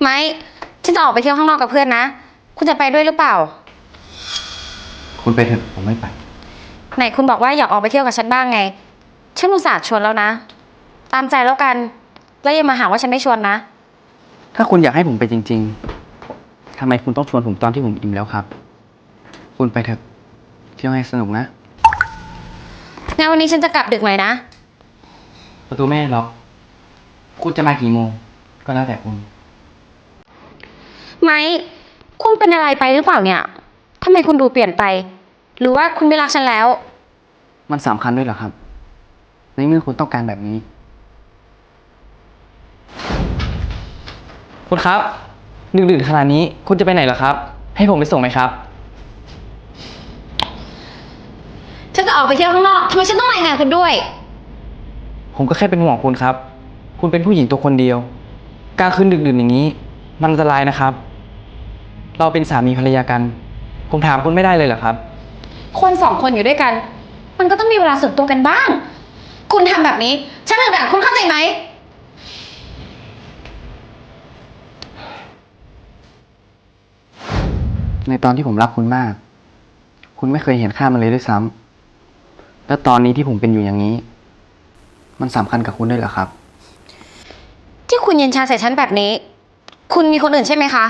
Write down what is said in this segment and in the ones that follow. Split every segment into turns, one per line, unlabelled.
ไม้ฉันจะออกไปเที่ยวข้างนอกกับเพื่อนนะคุณจะไปด้วยหรือเปล่า
คุณไปเถอะผมไม่ไป
ไหนคุณบอกว่าอยากออกไปเที่ยวกับฉันบ้างไงฉันอุตส่าห์ชวนแล้วนะตามใจแล้วกันแล้วอย่ามาหาว่าฉันไม่ชวนนะ
ถ้าคุณอยากให้ผมไปจริงๆทำไมคุณต้องชวนผมตอนที่ผมอิ่มแล้วครับคุณไปเถอะเที่ยวให้สนุกนะ
งั้นวันนี้ฉันจะกลับดึกหน่อยนะ
ประตูไม่ล็อกคุณจะมากี่โมงก็แล้วแต่คุณ
ไม้คุณเป็นอะไรไปหรือเปล่าเนี่ยทำไมคุณดูเปลี่ยนไปหรือว่าคุณไม่รักฉันแล้ว
มันสำคัญด้วยเหรอครับในเมื่อคุณต้องการแบบนี้คุณครับดึกๆขนาดนี้คุณจะไปไหนเหรอครับให้ผมไปส่งไหมครับ
ฉันจะออกไปเที่ยวข้างนอกทำไมฉันต้องรายงานคุณด้วย
ผมก็แค่เป็นห่วงคุณครับคุณเป็นผู้หญิงตัวคนเดียวกลางคืนดึกๆอย่างนี้มันอันตรายนะครับเราเป็นสามีภรรยากันผมถามคุณไม่ได้เลยเหรอครับ
คนสองคนอยู่ด้วยกันมันก็ต้องมีเวลาส่วนตัวกันบ้างคุณทำแบบนี้ฉันอึดอัดคุณเข้าใจไหม
ในตอนที่ผมรักคุณมากคุณไม่เคยเห็นค่ามันเลยด้วยซ้ำแล้วตอนนี้ที่ผมเป็นอยู่อย่างนี้มันสำคัญกับคุณด้วยเหรอครับ
ที่คุณเย็นชาใส่ฉันแบบนี้คุณมีคนอื่นใช่ไหมคะ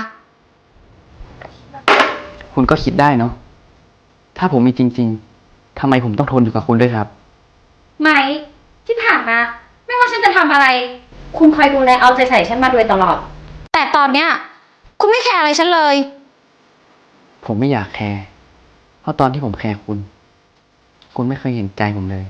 คุณก็คิดได้เนาะถ้าผมมีจริงๆทำไมผมต้องทนอยู่กับคุณด้วยครับ
ไม่ที่ผ่านมาไม่ว่าฉันจะทำอะไร คุณคอยดูแลเอาใจใส่ฉันมาโดยตลอดแต่ตอนเนี้ยคุณไม่แคร์อะไรฉันเลย
ผมไม่อยากแคร์เพราะตอนที่ผมแคร์คุณไม่เคยเห็นใจผมเลย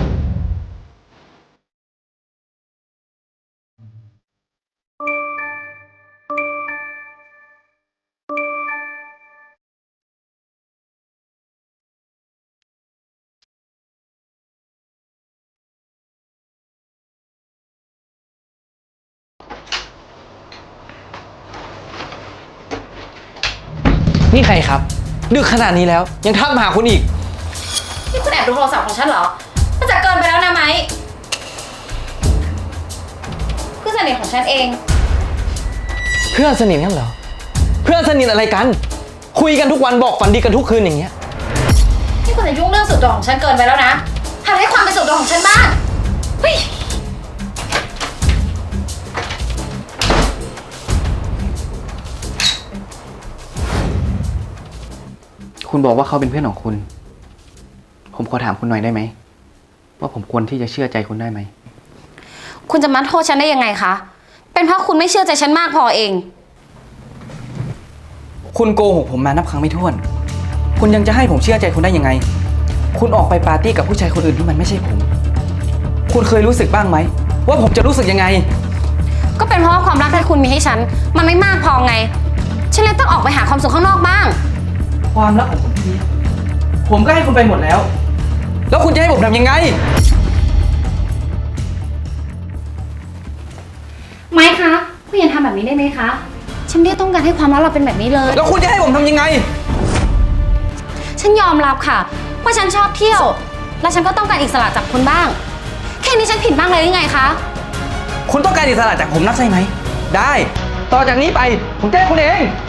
นี่ใครครับดึกขนาดนี้แล้วยังทักมาหาคุณอีก
นี่คุณแอบดูโทรศัพท์ของฉันเหรอมันจะเกินไปแล้วนะไหมเพื่อนสนิทของฉันเอง
เพื่อนสนิทกันเหรอเพื่อนสนิทอะไรกันคุยกันทุกวันบอกฝันดีกันทุกคืนอย่างเงี้ย
นี่คุณจะยุ่งเรื่องส่วนตัวของฉันเกินไปแล้วนะหัดให้ความเป็นส่วนตัวของฉันบ้างเฮ้ย
คุณบอกว่าเขาเป็นเพื่อนของคุณผมขอถามคุณหน่อยได้ไหมว่าผมควรที่จะเชื่อใจคุณได้ไหม
คุณจะมาโทษฉันได้ยังไงคะเป็นเพราะคุณไม่เชื่อใจฉันมากพอเอง
คุณโกหกผมมานับครั้งไม่ถ้วนคุณยังจะให้ผมเชื่อใจคุณได้ยังไงคุณออกไปปาร์ตี้กับผู้ชายคนอื่นที่มันไม่ใช่ผมคุณเคยรู้สึกบ้างไหมว่าผมจะรู้สึกยังไง
ก็เป็นเพราะว่าความรักที่คุณมีให้ฉันมันไม่มากพอไงฉันเลยต้องออกไปหาความสุขข้างนอกบ้าง
ความรักของผมผมก็ให้คุณไปหมดแล้วแล้วคุณจะให้ผมทำยังไง
ไม่คะคุณอย่าทำแบบนี้ได้ไหมคะฉันไม่ได้ต้องการให้ความรักเราเป็นแบบนี้เลย
แล้วคุณจะให้ผมทำยังไง
ฉันยอมรับค่ะว่าฉันชอบเที่ยวและฉันก็ต้องการอิสระจากคุณบ้างแค่นี้ฉันผิดบ้างเลยหรือไงคะ
คุณต้องการอิสระจากผมนักใช่ไหมได้ต่อจากนี้ไปผมจะให้คุณเอง